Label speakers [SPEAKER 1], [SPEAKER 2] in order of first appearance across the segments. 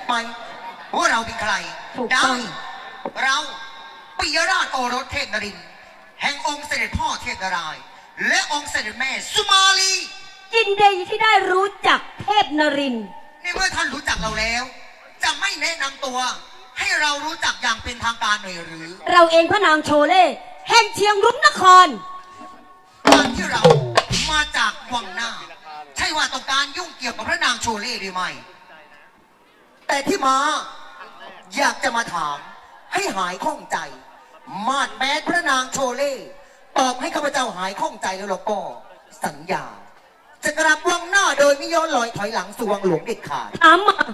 [SPEAKER 1] ไหมว่าเราเป็นใครได้เราปิยราชโอรสเทพนรินทร์แห่งองค์เสด็จพ่อเทพนารายณ์และองค์เสด็จแม่สุมาลี
[SPEAKER 2] ยินดีที่ได้รู้จักเทพนรินทร์
[SPEAKER 1] นี่เมื่อท่านรู้จักเราแล้วจะไม่แนะนำตัวให้เรารู้จักอย่างเป็นทางการหน่อยหรือ
[SPEAKER 2] เราเองพระนางโชเล่แห่งเชียงรุ้งนคร
[SPEAKER 1] การที่เรามาจากวังหน้าใช่ว่าต้องการยุ่งเกี่ยวกับพระนางโชเล่หรือไม่แต่ที่มาอยากจะมาถามให้หายข้องใจมาดแม้พระนางโชเล่ตอบให้ข้าพเจ้าหายข้องใจแล้วเราก็สัญญาจะกลับวังหน้าโดยไม่ย้อนลอยถอยหลังสู่วังหลวงเด็ดขาด
[SPEAKER 2] ถามมา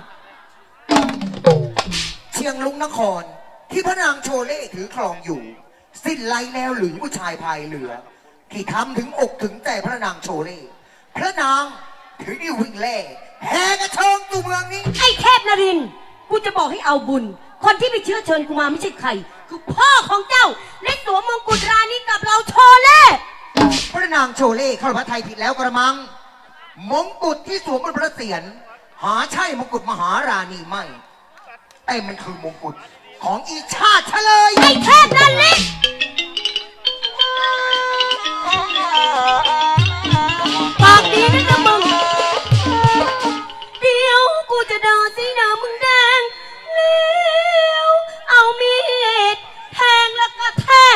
[SPEAKER 1] เชียงรุ้งนครที่พระนางโชเล่ถือครองอยู่สิ้นไล่แล้วหรือผู้ชายพายเรือที่ทำถึงอกถึงใจพระนางโชเล่พระนางถือดิวิ่งเล่แห่กระเชิงสู่เมืองนี้
[SPEAKER 2] ไอ้เทพนรินทร์กูจะบอกให้เอาบุญคนที่ไปเชื้อเชิญกูมาไม่ใช่ใครคือพ่อของเจ้าและสวมมงกุฎราณีกับเราโชเล่
[SPEAKER 1] พระนางโชเล่เข้าพระไทยผิดแล้วกระมังมงกุฎที่สวมบนพระเศียรหาใช่มงกุฎมหาราณีไม่แต่มันคือมงกุฎของอีชาติเฉลย
[SPEAKER 2] ไอ้เทพนรินทร์ปากดีนะจ๊ะมึงเดี๋ยวกูจะด่าสีหน้ามึงแดงแล้วเอามีดแทงแล้วก็แทก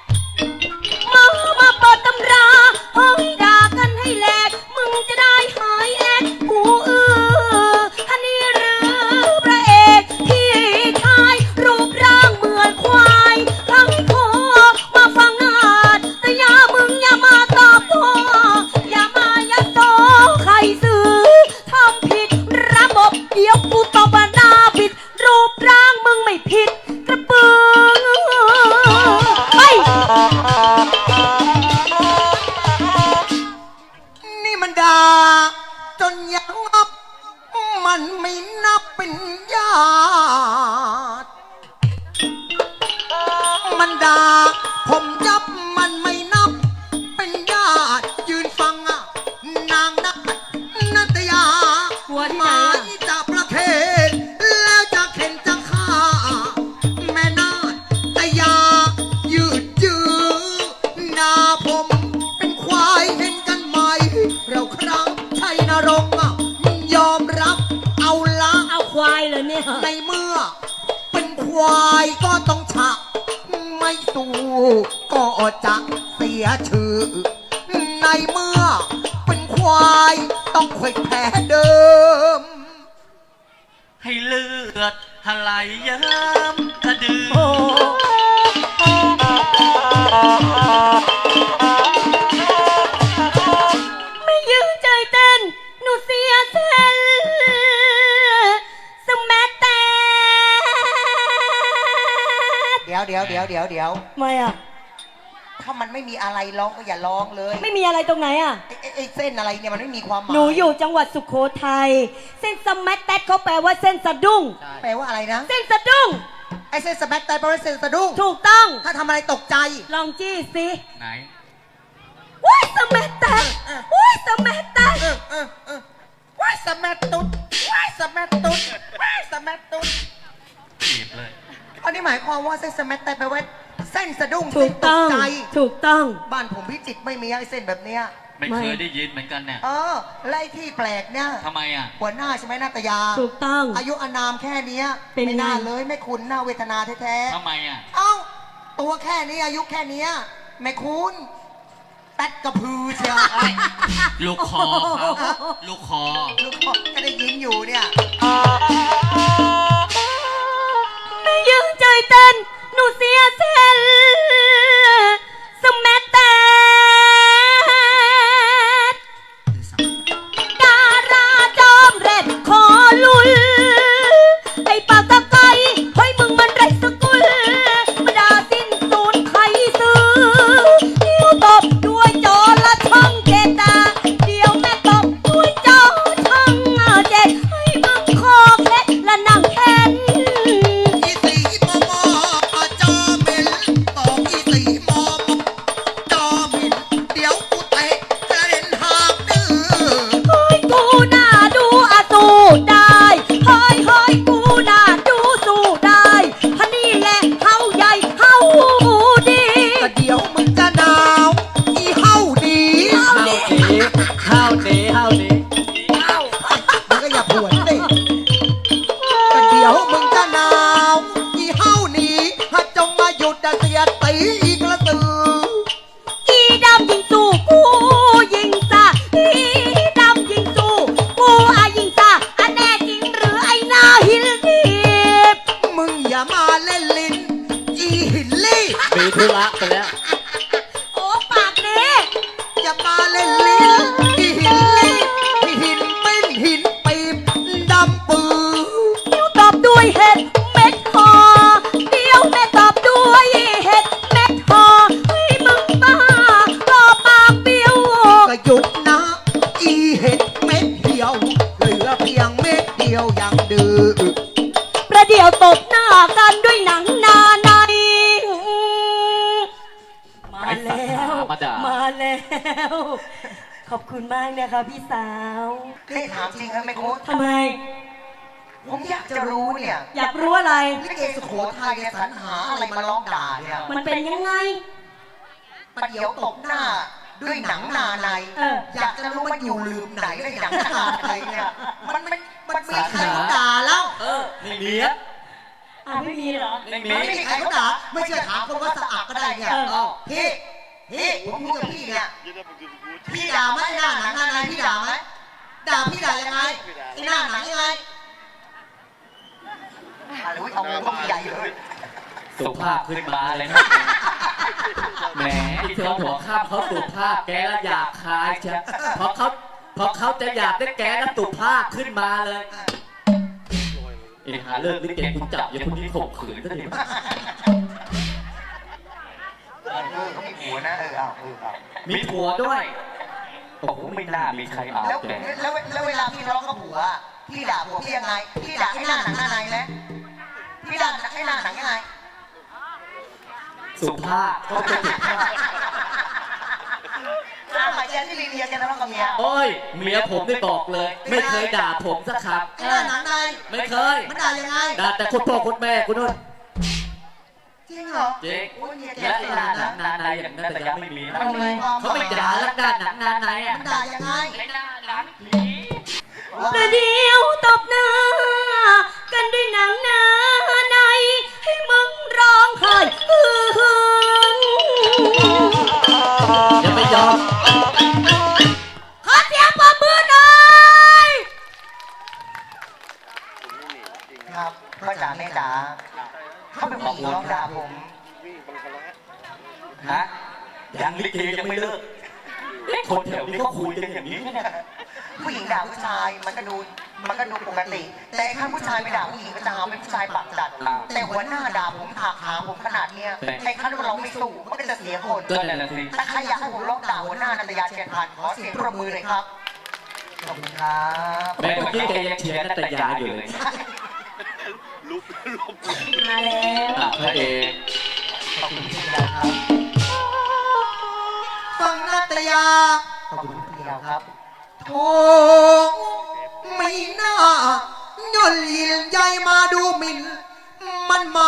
[SPEAKER 2] มาเปิดตำราเฮ้ยด่ากันให้แหลกมึงจะได้หายแอกหูฮันนี่หรือพระเอกที่ชายรูปร่างเหมือนควายทั้งคอมาฟังนาดแต่อย่ามึงอย่ามาตอบตัวอย่ามายัดโตใครซื้อทำผิดระบบเดี๋ยวกูตบหน้าบิดรูปร่างมึงไม่ผิดกระปือไป
[SPEAKER 1] นี่มันด่าจนยังอับมันไม่นับเป็นญาติมันด่าผมยับมันไม่นับเป็นญาติยืนฟังนางนัตยาหมายจะประเคนแล้วจะเข็นจะฆ่าแม่นาตยายืดยื้อหน้าผมเป็นควายเห็นกันไหมเราครั้งชัยนรงค์ยอมรับเอาละ
[SPEAKER 2] เอาควายเลยเนี่ย
[SPEAKER 1] ในเมื่อเป็นควายก็ต้องฉะไม่สู้ก็จะเสียชื่อในเมื่อเป็นควายต้องควยแพ้เดิม
[SPEAKER 3] ให้เลือดทลายเยิ้มกระดือ
[SPEAKER 2] ไม่ยืนใจเต้นหนูเสียเซลสมัตแต่
[SPEAKER 1] เดี๋ยว
[SPEAKER 2] ไม่อะ
[SPEAKER 1] ถ้ามันไม่มีอะไรร้องก็อย่าร้องเลย
[SPEAKER 2] ไม่มีอะไรตรงไหนอะ
[SPEAKER 1] ไอ้เส้นอะไรเนี่ยมันไม่มีความหมาย
[SPEAKER 2] หนูอยู่จังหวัดสุโขทัยเส้นสมัตแต่เขาแปลว่าเส้นสะดุ้ง
[SPEAKER 1] แปลว่าอะไรนะ
[SPEAKER 2] เส้นสะดุ้ง
[SPEAKER 1] ไอ้เส้นสมัตแต่แปลว่าเส้นสะดุ้ง
[SPEAKER 2] ถูกต้อง
[SPEAKER 1] ถ้าทำอะไรตกใจ
[SPEAKER 2] ลองจี้สิ
[SPEAKER 3] ไหน
[SPEAKER 2] ว้ายสมัตแต่ว้ายสมัตแต่
[SPEAKER 1] ว้ายสมัตตุ๊ดว้ายสมัตตุ๊ดว้ายสมัตตุ๊ด
[SPEAKER 3] จีบเลย
[SPEAKER 1] อันนี้หมายความว่าเส้นสมัตแต่แปลว่าเส้นสะดุ้ง
[SPEAKER 2] ถูกต้องถูกต้อง
[SPEAKER 1] บ้านผมพิจิตรไม่มีไอ้เส้นแบบเนี้ย
[SPEAKER 3] ไม่เคยได้ยินเหมือนกันเนี่ย
[SPEAKER 1] ไล่ที่แปลกเนี่ย
[SPEAKER 3] ทำไมอ่ะ
[SPEAKER 1] หัวหน้าใช่ไหมนาตยา
[SPEAKER 2] ถูกต้อง
[SPEAKER 1] อายุอานามแค่นี้ไม่น่าเลยไม่คุ้นหน้าเวทนาแท้
[SPEAKER 3] ๆทำไมอ่ะ
[SPEAKER 1] ตัวแค่นี้อายุแค่นี้ไม่คุ้นแป๊ดกระพือเชียว
[SPEAKER 3] ลูกคอลูกคอ
[SPEAKER 1] ก็ได้ยินอยู่เนี่ย
[SPEAKER 2] ไม่ยืนใจเต้นหนูเสียเซลสมัตแต่ดาราจอมเร็ดคอลุลไอ้ปากตะไคร้เฮ้ยมึงมันไรสกุลมาด่าสิ้นสูญใครซื้อนิ้วตบด้วยจอละช่องเจตาเดี๋ยวแม่ตบด้วยจอช่องเจ็ด
[SPEAKER 4] ธุระไปแล้ว
[SPEAKER 2] โอ้ปากนี้
[SPEAKER 1] อย่ามาเล่นลิ้นที่หินลิ้นที่หินเป็นหินปีบดำปือ
[SPEAKER 2] เดี๋ยวตอบด้วยเห็ดเม็ดหอเดี๋ยวแม่ตอบด้วยเห็ดเม็ดหอเฮ้ยมึงบ้าก็ปากเบี้ยว
[SPEAKER 1] ก็หยุดนะ อีเห็ดเม็ดเดียว เหลือเพียงเม็ดเดียวยังดื้อ
[SPEAKER 2] ประเดี๋ยวตบหน้ากันด้วยหนังนาในมาแล้ว
[SPEAKER 4] มาด่า
[SPEAKER 2] มาแล้ว ขอบคุณมากนะคะพี่สาว
[SPEAKER 5] นี่ถามจริงครับแม่โค้ด
[SPEAKER 2] ทำไม
[SPEAKER 5] ผมอยากจะรู้เนี่ย
[SPEAKER 2] อยากรู้อะไร
[SPEAKER 5] ลิเกสุโขทัยเนี่ยสรรหาอะไรมาร้องด่าเนี่ย
[SPEAKER 2] มันเป็นยังไง
[SPEAKER 5] ประเดี๋ยวตบหน้าด้วยหนังนาใน
[SPEAKER 2] เออ
[SPEAKER 5] อยากจะรู้มันอยู่ลืมไหนในหนังนาในเนี่ยมันมี
[SPEAKER 1] ใค
[SPEAKER 5] ใค
[SPEAKER 1] ร
[SPEAKER 5] ร
[SPEAKER 1] เขาด่าแล้ว
[SPEAKER 4] ไม่มีอะ
[SPEAKER 2] อ่ะไม่มีเหรอ
[SPEAKER 4] ไม่มี
[SPEAKER 1] ไม่มีใครเขาด่าไม่เชื่อถามคนว่าสะอาดก็ได้เนี่ย
[SPEAKER 2] เออ
[SPEAKER 1] พี่ผมพูดกับพี่เนี่ยพี่ด่าไหมหน้าหนังหน้าในพี่ด่าไหมด่าพี่ด่ายังไงไอ้หน้าหนังยังไง
[SPEAKER 5] อะไรวะเอามือใหญ่เลย
[SPEAKER 4] สุภาพขึ้นมาเลยนะแหมที่เธอหัวข้ามเขาสุภาพแกแล้วอยากคายใช่เพราะเขาจะอยากได้แกแล้วสุภาพขึ้นมาเลยไอ้หาเลิกลิเกคุณจับอย่าคนนี้ข่มขืนก็ดี
[SPEAKER 5] เขามีผัวนะเอา
[SPEAKER 4] มีผัวด้วยโอ้โหไม่น่ามีใครเอา
[SPEAKER 5] แล้ว
[SPEAKER 4] แก
[SPEAKER 5] แล้วเวลาพี่ทะเลาะกับผัวพี่ด่าผัวพี่ยังไงพี่ด่าให้หน้าหนังหน้าในไหมพี่ด่าให้หน้าหนังยังไง
[SPEAKER 4] สุภาพเขาจะสุภาพ
[SPEAKER 5] ถ้าหมายแกที่ลีเลียแกทะเลาะกับเมีย
[SPEAKER 4] โอ้ยเมียผมได้บอกเลย ไม่เคยด่าผมสักค
[SPEAKER 1] ไอ้หน้าหนังใน
[SPEAKER 4] ำไม่เคย
[SPEAKER 1] มันด่ายังไง
[SPEAKER 4] ด่าแต่คุณพ่อคุณแม่คุณนู่น
[SPEAKER 1] จริงเหรอ
[SPEAKER 4] จริง
[SPEAKER 5] โอ้ยเมียแก
[SPEAKER 4] และ
[SPEAKER 5] ตี
[SPEAKER 4] ไอ้
[SPEAKER 5] ห
[SPEAKER 4] หน้า
[SPEAKER 5] น้า
[SPEAKER 4] หนังนาในอย่างนั้นแต่ยังไม่มีนะ
[SPEAKER 5] มันมีความ
[SPEAKER 4] เขาไม่ด่าแล้วด้านหนังนาในอ่ะ
[SPEAKER 1] มันด่ายังไง
[SPEAKER 4] ไอ้หน้าหนังผี
[SPEAKER 2] ประเดี๋ยวตบหน้ากันด้วยหนังนาในให้มึงร้องไห้ฮือฮือ
[SPEAKER 4] อย่าไปยอม
[SPEAKER 2] ขอเสียงปรบมือหน่อย
[SPEAKER 5] ครับพ่อจ๋าแม่จ๋าเขาเป็นผู้หญิงร้องด่าผม
[SPEAKER 4] ฮะยังลิเกยังไม่เลิกคนแถวนี้เขาคุยกันอย่างนี้เนี่ย
[SPEAKER 5] ผู้หญิงด่าผู้ชายมันก็ดูปกติ แต่ถ้าผู้ชายไปด่าผู้หญิงก็จะหาเป็นผู้ชายปากจัด แต่หัวหน้าด่าผมถากหาผมขนาดเนี้ยไอ้ขั้นเราไม่สู้มันก็จะเสียคน
[SPEAKER 4] ก็นั่นแหละสิ
[SPEAKER 5] ถ้าใครอยากให้ผมร้องด่าหัวหน้านันทยาเชียนพันธ์ขอเสียงปรบมือเลยครับขอบคุณครับ
[SPEAKER 4] แม่เมื่อกี้แกยังเชียร์นัตยาอยู่เลย
[SPEAKER 2] มาแล้ว
[SPEAKER 4] พระเอก
[SPEAKER 5] ขอบคุณพี่นะครับ
[SPEAKER 1] ฟังนาตยา
[SPEAKER 5] ขอบคุณพี่แล้วครับ
[SPEAKER 1] โอ้ไม่น่าย่นยินใหญ่มาดูหมิ่น มันมา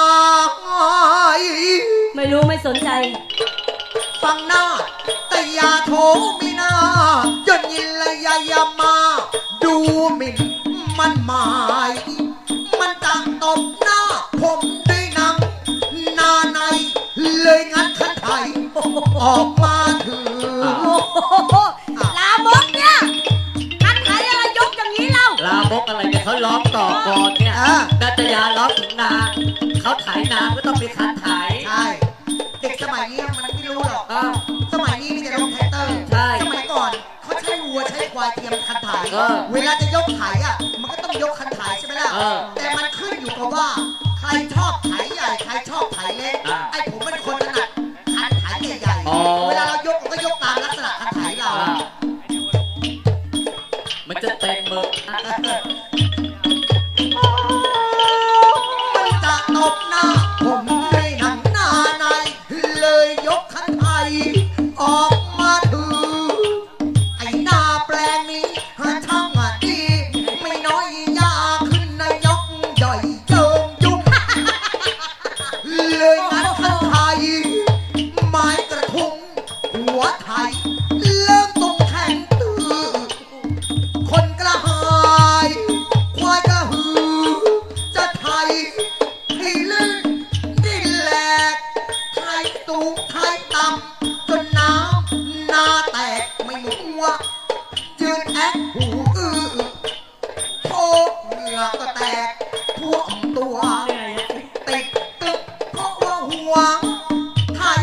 [SPEAKER 2] ไม่รู้ไม่สนใจ
[SPEAKER 1] ฟังหน้าแต่อย่าโถไม่น่าย่นยินและอย่ามา ดูหมิ่น มันหมาย มันจะตบหน้า ผมด้วยหนังหนาใน เลยงัดขันไถออกมาถือ
[SPEAKER 2] โอ้โหลามกเนี่ยทันไหนอะไรยกอย่างนี้เล่า
[SPEAKER 4] ลามกอะไรเนี่ยเขาร้องต่อก่อนเนี่ย
[SPEAKER 1] อ่า
[SPEAKER 4] นัตยาร้องถึงนาเขาไถนาก็ต้องมีคันไถ
[SPEAKER 1] ใช่ เด็กสมัยนี้มันไม่รู้หรอก
[SPEAKER 4] อ้าว
[SPEAKER 1] สมัยนี้มีแต่รถแท็กเตอร์
[SPEAKER 4] ใช่
[SPEAKER 1] สมัยก่อนเขาใช้วัวใช้ควายเทียมคันถ่าย
[SPEAKER 4] เออ
[SPEAKER 1] เวลาจะยกถ่ายอ่ะ มันก็ต้องยกคันถ่ายใช่ไหมล่ะ
[SPEAKER 4] เออ
[SPEAKER 1] แต่มันขึ้นอยู่กับว่า ใครชอบถ่ายใหญ่ ใครชอบถ่ายเล็ก
[SPEAKER 4] อ่า
[SPEAKER 1] ไอ้ผมเป็นคนถนัดคันถ่ายใหญ่
[SPEAKER 4] อ๋อ
[SPEAKER 1] ๆ เวลาเรายกมันก็ยกตามลักษณะคันถ่ายเรา
[SPEAKER 4] อ่ามันจะเต็มมือ
[SPEAKER 1] มันจะตบหน้า ผมด้วยหนังหน้าใน เลยยกคันไทยออกมาถือ ไอ้หน้าแปลงนี้หาช่างดี ไม่น้อยยาขึ้นนายกใหญ่เจิมยุบ เลยงัดคันไทย ไม้กระทุงหัวไทย เริ่มตรงแข่งตื้อ คนกระหายควายกระหือ จะไทยให้ลื่นดิ้นแหลกไทยสูงไทยต่ำจนน้ำนาแตกไม่หัวยืนแอคหูอื้อโชกเหงื่อก็แตกท่วมตัว ติดตึกเพราะว่าห่วงไทย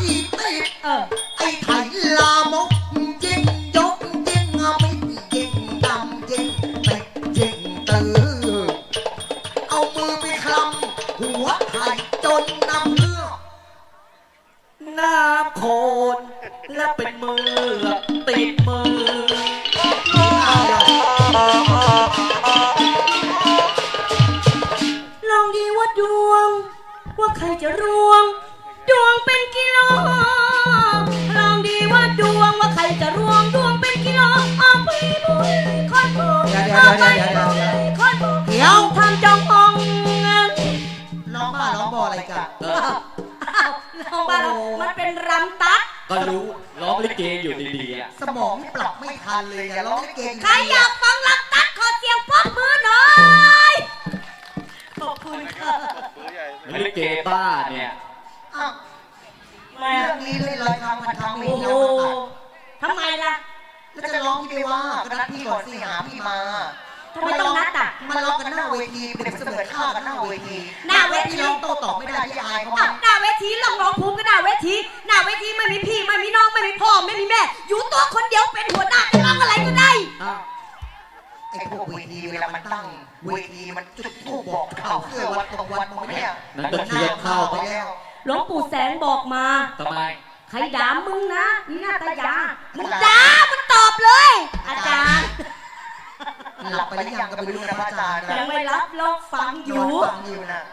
[SPEAKER 2] ดวง ว่าใครจะรวง ดวงเป็นกิโลลองดีว่าดวงว่าใครจะรวง ดวงเป็นกิโลเอาไปบุยคนบุยเอาไปบุยคนบุย
[SPEAKER 1] เดี๋ยว
[SPEAKER 2] ทำจององ
[SPEAKER 1] ร้องบ้าร้องบออะไรกัน
[SPEAKER 2] ลองบ้านเรามันเป็นรำตัด
[SPEAKER 4] ก็รู้ร้องลิเกอยู่ดีๆอ่ะ
[SPEAKER 1] สมองปรับไม่ทันเลยอะร้องลิเก
[SPEAKER 2] ใครอยากฟังรำตัดขอเสียงปรบมือหน่อย ขอบคุณค่ะ
[SPEAKER 4] ลิเกบ้าเนี่ย
[SPEAKER 5] อ้าวเรื่องนี้เล่นลอยทางพันทางไม่
[SPEAKER 2] โอ้
[SPEAKER 5] เห็น
[SPEAKER 2] โห
[SPEAKER 5] แล้ว
[SPEAKER 2] ทำไมล่ะ
[SPEAKER 5] แล้วจะร้องพี่ไปว่าก็นัดพี่ก่อนสิหาพี่มา
[SPEAKER 2] ทำไมต้องนัดอ่ะ
[SPEAKER 5] มาร้องกันหน้าเวทีเปรียบเสมือนฆ่ากันหน้าเวที
[SPEAKER 2] หน้าเวที
[SPEAKER 5] พี่ร้องโต้ตอบไม่ได้พี่อายเขา
[SPEAKER 2] อ้าวหน้าเวทีลองร้องภูมิก็หน้าเวที หน้าเวทีไม่มีพี่ไม่มีน้องไม่มีพ่อไม่มีแม่ อยู่ตัวคนเดียวเป็นหัวหน้าจะร้องอะไรก็ได้
[SPEAKER 5] ไอ้พวกเวทีเวลามันตั้งเวทีมันจุดธูปบอกข่าวเสื้อวัดตรงวันมองเนี่ย
[SPEAKER 4] นั่นก็เทียบเข้า
[SPEAKER 5] ไปแล้ว
[SPEAKER 2] หลวงปู่แสงบอกมา
[SPEAKER 4] ทำไม
[SPEAKER 2] ใครด่ามึงนะนี่หน้าตายามึงด่ามันตอบเลย อาจารย์
[SPEAKER 5] หลับไปหรือยังก็ไม่รู้นะพระอาจารย์นะ
[SPEAKER 2] ยังไม่รับรองฟังอยู่
[SPEAKER 5] ฟังอยู่นะ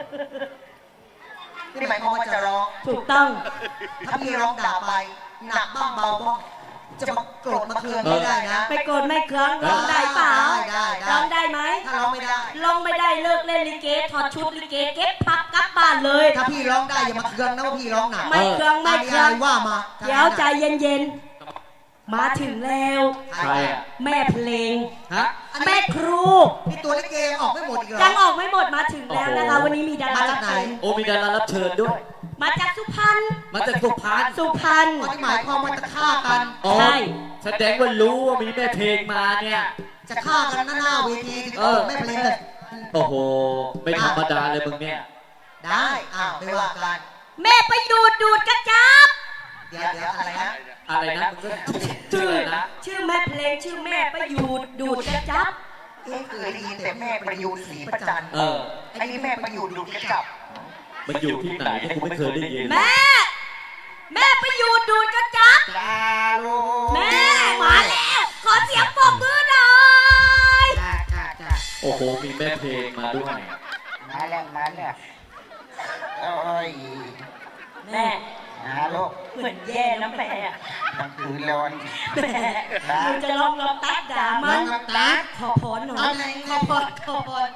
[SPEAKER 5] นี่หมายความว่าจะร้อง
[SPEAKER 2] ถูกต้อง
[SPEAKER 5] ถ้าพี่ร้องด่าไปหนักบ้างเบาบ้างจะมาโกรธมาเคืองไม่ได้นะ
[SPEAKER 2] ไม่โกรธไม่เคืองร้องได้เปล่า
[SPEAKER 5] ได้
[SPEAKER 2] ร้องได้ไหม
[SPEAKER 5] ถ้าร้องไม่ได้
[SPEAKER 2] ร้องไม่ได้เลิกเล่นลิเกถอดชุดลิเกเก็บพับกลับบ้านเลย
[SPEAKER 1] ถ้าพี่ร้องได้อย่ามาเคืองนะว่าพี่ร้องหนัก
[SPEAKER 2] ไม่เคืองไม่เคือง
[SPEAKER 1] ว่ามา
[SPEAKER 2] เดี๋ยวใจเย็นๆ มาถึงแล้ว
[SPEAKER 4] ใครอ่ะ
[SPEAKER 2] แม่เพลง
[SPEAKER 4] ฮะ
[SPEAKER 2] แม่ครู
[SPEAKER 1] นี่ตัวลิเกยังออกไม่หมดอีกเหรอ
[SPEAKER 2] ยังออกไม่หมดมาถึงแล้วนะคะ วันนี้มีดารา
[SPEAKER 1] มาจากไหน
[SPEAKER 4] โอ้มีดารารับเชิญด้วย
[SPEAKER 2] มาจากสุพรรณ
[SPEAKER 4] มาจากสุพรรณ
[SPEAKER 2] สุพรรณ
[SPEAKER 1] อ๋อที่หมายความว่าจะฆ่ากัน
[SPEAKER 4] อ๋อ
[SPEAKER 2] ใช่
[SPEAKER 4] แสดงว่ารู้ว่ามีแม่เพลงมาเนี่ย
[SPEAKER 1] จะฆ่ากันหน้าเวทีที่เขาไม่เพลงเลย
[SPEAKER 4] โอ้โห ไม่ธรรมดาเลยมึงเนี่ย
[SPEAKER 1] ได้ไม่ว่ากัน
[SPEAKER 2] แม่ไปดูดกระจับ
[SPEAKER 5] เดี๋ยวอะไรนะ
[SPEAKER 4] อะไรนะมึงก็ชื่ออะไรนะ
[SPEAKER 2] ชื่อแม่เพลงชื่อแม่ประยูดดูดกระจับ
[SPEAKER 5] เคยได้ยินแต่แม่ประยูนศรีประจัน
[SPEAKER 4] เออ
[SPEAKER 5] ไอ้นี่แม่ประยูนดูดกระจับ
[SPEAKER 4] มันอยู่ที่ไหนเนี่ยกูไม่เคยได้ยิน
[SPEAKER 2] แม่ประยูดดูดกระจับ
[SPEAKER 5] จ้าลูก
[SPEAKER 2] แม่มาแล้ว ขอเสียงปรบมือหน่อย
[SPEAKER 5] จ้า
[SPEAKER 4] โอ้โห มีแม่เพลงมาด้วย
[SPEAKER 5] มาแล้วโอ้ย
[SPEAKER 2] แม่
[SPEAKER 5] ลูก
[SPEAKER 2] เหมือนแย่นะแม่อะ
[SPEAKER 5] มันคือร้อน
[SPEAKER 2] แม่หนูจะลองตัดด่ามันขอพรหน่อยขอพร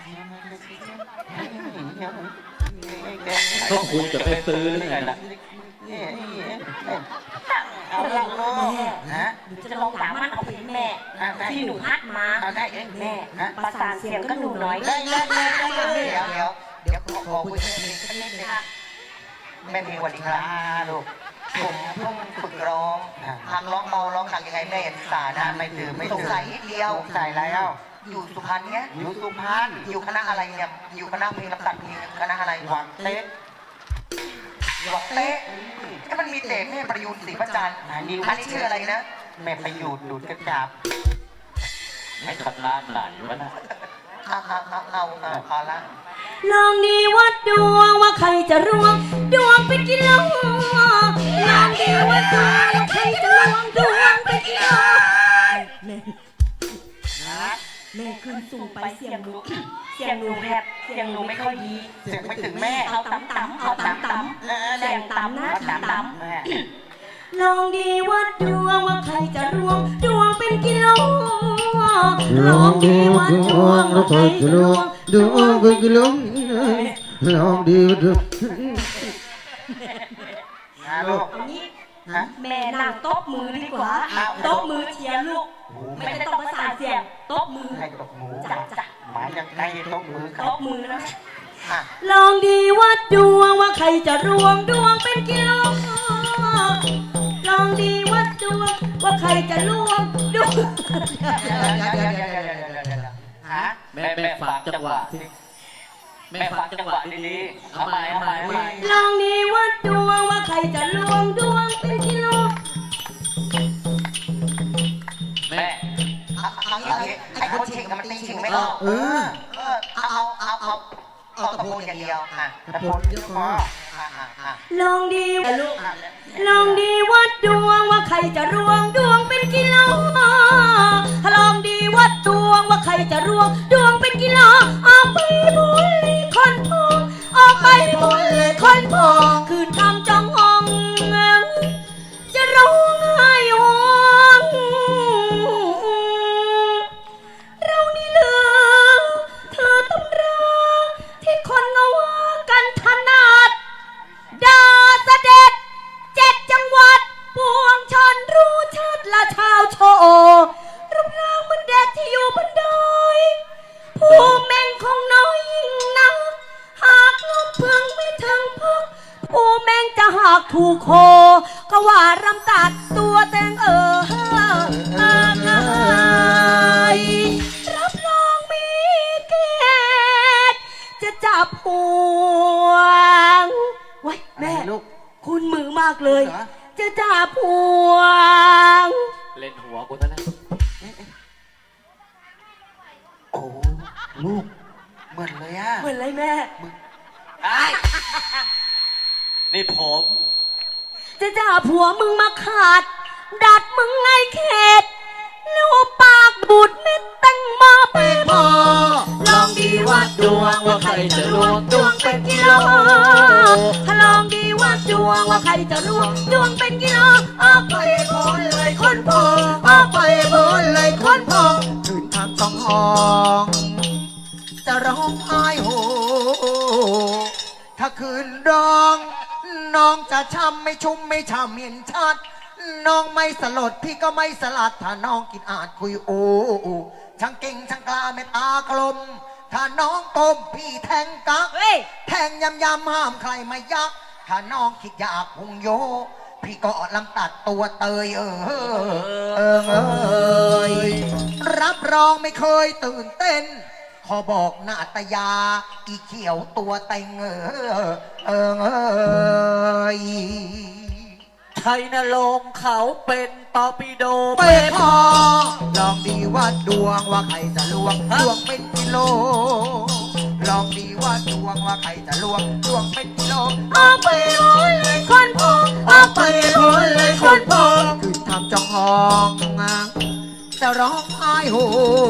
[SPEAKER 4] ก็คุณจะไปซื้อหรือไงล่ะ
[SPEAKER 5] เอาละลูกฮะ
[SPEAKER 2] หนูจะลองด่ามันเอาเพลงแม่ที่หนูฮัดมา
[SPEAKER 5] เอาได้
[SPEAKER 2] แม่ประสานเสียงก็หนูน้อย
[SPEAKER 5] เดี๋ยวขอคุยกับแม่เพลงสักนิดนึงแม่เพลงสวัสดีครับลูกผมเพิ่งฝึกร้องทางร้องเมาร้องหนักยังไงแม่เห็นสานะไม่ตื่นสงสัยนิดเดียวสงสัยแล้วอยู่สุพรรณเนี้ยอยู่สุพรรณอยู่คณะอะไรเนี่ยอยู่คณะเพลงลำตัดเพลงคณะอะไรหวังเต๊ะหวังเต๊ะก็มันมีเตะแม่ประยูนศรีประจันอันนี้ชื่ออะไรนะแม่ประยูนดูดกระจับ
[SPEAKER 4] ไม่ทำงานไหนวะน่ะ
[SPEAKER 5] เอาละ
[SPEAKER 2] ลองดีวัดดวงว่าใครจะรวงดวงเป็นกิโลลองดีวัดดวงว่าใครจะรวงดวงเป็นกิโลแม่ขึ้นสูงไปเสียงหนูเสียงหนูแหบเสียงหนูไม่ค่อยดี
[SPEAKER 5] เสียงไม่ถึงแม่
[SPEAKER 2] เอาต่ำเอาต่ำเสียงต่ำนะต่ำลองดีวัดดวงว่าใครจะรวงดวงเป็นกิโลลองดีวัดดวงว่าใครจะรวงดวงเป็นกิโล
[SPEAKER 1] ลองดีดู
[SPEAKER 5] ลูก
[SPEAKER 2] เอางี้แม่นั่งโต๊ะมือดีกว่าโต๊ะมือเชียร์ลูกไม่ได้ต้องประสานเสียงโต๊ะมือ
[SPEAKER 5] ให้ตกหมู
[SPEAKER 2] จ้ะ
[SPEAKER 5] หมายยังไงตกมือครับ
[SPEAKER 2] โต๊ะมือนะลองดีวัดดวงว่าใครจะรวงดวงเป็นกิโลลองดีวัดดวงว่าใครจะรวงดวง
[SPEAKER 4] แม่ฝากจังหวะที่แม่ฝากจังหวะดีๆเอาใหม่
[SPEAKER 2] ลองดีวัดดวงว่าใครจะรวงดวงเป็นกิโล
[SPEAKER 4] แม่
[SPEAKER 5] ไอ้คนชิงมันตีชิงไม่ออกเอาตะโพนอย่างเดียวตะโพนเยอะพอ
[SPEAKER 2] ลองดีลูกลองดีวัดดวงว่าใครจะรวงดวงเป็นกิโลลองดีวัดดวงว่าใครจะรวงดวงเป็นกิโลเอาไปบุยคนพูจะหากถูกโคก็ว่ารำตัดตัวแตงรับรองมีเกตจะจับห่วงไว้แม่
[SPEAKER 5] ลูก
[SPEAKER 2] คุณมือมากเลย
[SPEAKER 5] เหรอ
[SPEAKER 2] จะจับห่วง
[SPEAKER 4] เล่นหัวกูซะแล้ว
[SPEAKER 5] โอ้ลูกเหมือนเลยอ่ะ
[SPEAKER 2] เหมือนไรแม่
[SPEAKER 4] ไอ้นี่ผม
[SPEAKER 2] จะจับผัวมึงมาขาด ดัดมึงไงเข็ดลูกปากบูดเม็ดแตังมาเป็นพอลองดีวัดดวงว่าใครจะรวมดวงเป็นกิโลลองดีวัดดวงว่าใครจะรวมดวงเป็นกิโลออกไปพ้นเลยคนพอออกไปพ้นเลยคนพอ
[SPEAKER 1] คืนทางต้องห้องจะร้องไห้โฮถ้าคืนร้อง น้องจะช้ำไม่ชุ่มไม่ช่ำเห็นชัด น้องไม่สลดพี่ก็ไม่สลัด ถ้าน้องกินอาจคุยโอ้ช่างเก่งช่างกล้าเม็ดตากลม ถ้าน้องก้มพี่แทงกัก
[SPEAKER 2] เฮ้ย
[SPEAKER 1] แทงยำห้ามใครมายัก ถ้าน้องคิดอยากพุงโย พี่ก็ลำตัดตัวเตยรับรองไม่เคยตื่นเต้น ขอบอกนาตยา อีเขียวตัวเต็ง
[SPEAKER 4] ชัยนรงค์เขาเป็นตอร์ปิโด
[SPEAKER 1] เป้พอลองดีว่าดวงว่าใครจะลวงดวงเป็นกิโล ลองดีว่าดวงว่าใครจะลวงดวงเป็นกิโล
[SPEAKER 2] ออกไปพ้นเลยคนพอออกไปพ้นเลยคนพอ
[SPEAKER 1] คือทำจองห้องจะร้องไห้โฮ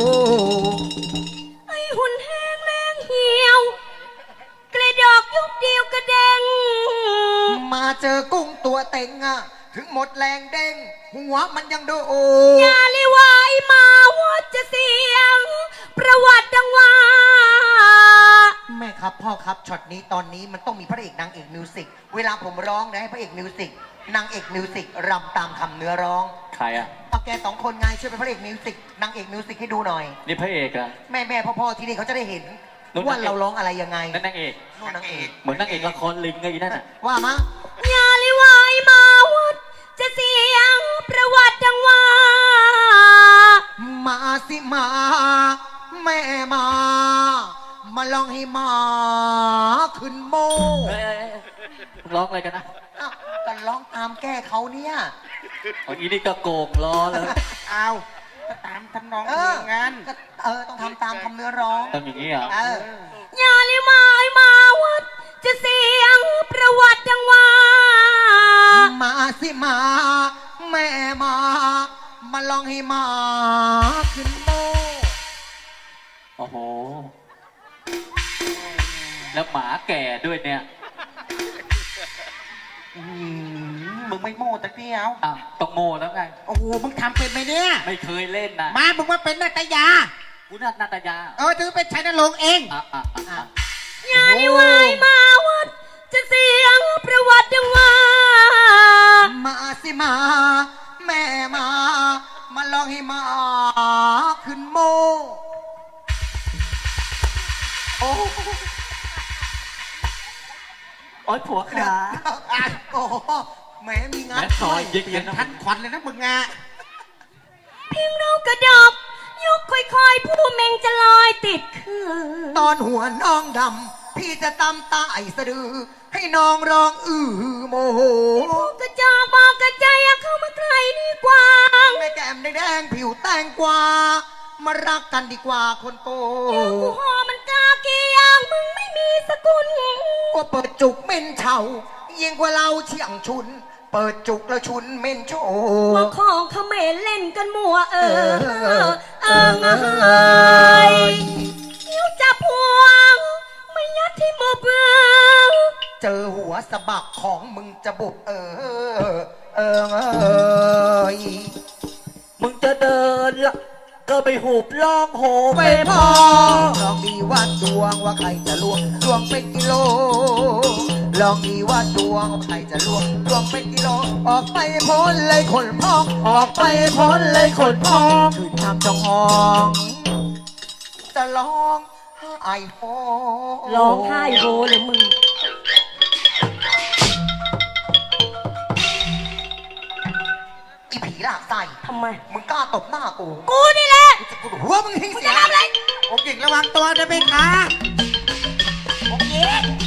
[SPEAKER 2] ไอ้หุ่นแห้งแรงเหี่ยว กระดอกยุบเดียวกระเด้ง
[SPEAKER 1] มาเจอกุ้งตัวเต็งถึงหมดแรงเด้ง หัวมันยังดูโอ
[SPEAKER 2] อย่าเลยว่าไอ้มาว่าจะเสียง ประวัติดังว่า
[SPEAKER 1] แม่ครับพ่อครับช็อตนี้ตอนนี้มันต้องมีพระเอกนางเอกมิวสิกเวลาผมร้องนะให้พระเอกมิวสิกนางเอกมิวสิกรำตามคำเนื้อร้อง
[SPEAKER 4] ใครอ่ะ
[SPEAKER 1] เอาแกสองคนไงช่วยเป็นพระเอกมิวสิกนางเอกมิวสิกให้ดูหน่อย
[SPEAKER 4] นี่พระเอกอ่ะ
[SPEAKER 1] แม่พ่อที่นี่เขาจะได้เห็น
[SPEAKER 4] นู่น
[SPEAKER 1] ว่าเราร้องอะไรยังไง
[SPEAKER 4] นั่นนางเอก
[SPEAKER 1] นู่นนางเอก
[SPEAKER 4] เหมือนนางเอกละครลิงไงอีนั่นอ่ะ
[SPEAKER 1] ว่ามา
[SPEAKER 2] อย่าเลยว่าไอ้มาว่าจะเสียง ประวัติดังว่า
[SPEAKER 1] มาสิมา แม่มาลองให้มาขึ้นโม
[SPEAKER 4] เอ้ยมึงร้องอะไรกันนะ
[SPEAKER 1] อ้าวกันร้องตามแก้เขาเนี่ย
[SPEAKER 4] เอาอีนี่ก็โกงล้อเลย
[SPEAKER 5] เอาก็ตามทำนองเพลงงั้น
[SPEAKER 1] ก็ต้องทำตามคำเนื้อร้อง
[SPEAKER 4] ทำอย่างนี้เหรอ
[SPEAKER 2] อย่าเลยว่าไอ้มาว่าจะเสียง ประวัติดังว่า
[SPEAKER 1] มาสิมา แม่มาลองให้มาขึ้นโม
[SPEAKER 4] โอ้โห แล้วหมาแก่ด้วยเนี่ย
[SPEAKER 5] มึงไม่โม่ตะเกียว
[SPEAKER 4] อ่ะต้องโง่แล้วไง
[SPEAKER 5] โอ้โห มึงทำเป็นไหมเนี่ย
[SPEAKER 4] ไม่เคยเล่นนะ
[SPEAKER 5] มามึงว่าเป็นนาตยา
[SPEAKER 4] กูนัดนาตยา
[SPEAKER 5] ถือเป็นชัยนรงค์เอง
[SPEAKER 4] อ่ะ
[SPEAKER 2] อย่าเลยว่าไอ้มาว่าจะเสียง ประวัติดังว่า
[SPEAKER 1] มาสิมา แม่มาลองให้มาขึ้นโม โอ้
[SPEAKER 4] โอ้ยผัวขา
[SPEAKER 1] โอ้โหแหมมีงาน
[SPEAKER 4] แม่ซอยยิงเลยนะ
[SPEAKER 5] ทันขวัญเลยนะมึงอ่ะ
[SPEAKER 2] เพียงเรากระดบยกค่อยๆ ผู้เมงจะลอยติดคือ
[SPEAKER 1] ตอนหัวน้องดำ พี่จะตำตาไอสะดือ ให้น้องร้องโมโห
[SPEAKER 2] กระจอกบอกกระใจอยากเข้ามาใกล้ดีกว่า
[SPEAKER 1] แม่แก้มแดงๆผิวแตงกวา มารักกันดีกว่าคนโก
[SPEAKER 2] กูหอมันกาเกียงมึงไม่มีสกุล
[SPEAKER 1] ว่าเปิดจุกเม่นเฉายิ่งกว่าเราเชี่ยงชุน เปิดจุกแล้วชุนเม่นโช
[SPEAKER 2] ว่าของเขมรเล่นกันมัวเนิ้วจับพวงไม่ยัดที่มือเปล่า
[SPEAKER 1] เจอหัวสะบักของมึงจะบุบ
[SPEAKER 4] มึงจะเดินละก็ไปหูบล่องโห
[SPEAKER 1] ไม่พอลองดีว่าดวงว่าใครจะลวงดวงเป็นกิโล ลองดีว่าดวงว่าใครจะลวงดวงเป็นกิโล ออกไปพ้นเลยคนพอง ออกไปพ้นเลยคนพองคืนทำจองห้อง จะร้องไห้โฮ
[SPEAKER 2] ร้องไห้โฮเลยมึง
[SPEAKER 5] ากใส่
[SPEAKER 2] ทำไม
[SPEAKER 5] มึงกล้าตบหน้ากู
[SPEAKER 2] กูนี่แหละ
[SPEAKER 5] กูจะกูหัวมึงทิ้ง
[SPEAKER 2] มึง
[SPEAKER 5] เสี
[SPEAKER 2] จะ
[SPEAKER 5] ย
[SPEAKER 2] ทำอะไร
[SPEAKER 1] องค์หญิงระวังตัวด้วยไหมคะ
[SPEAKER 5] โอเค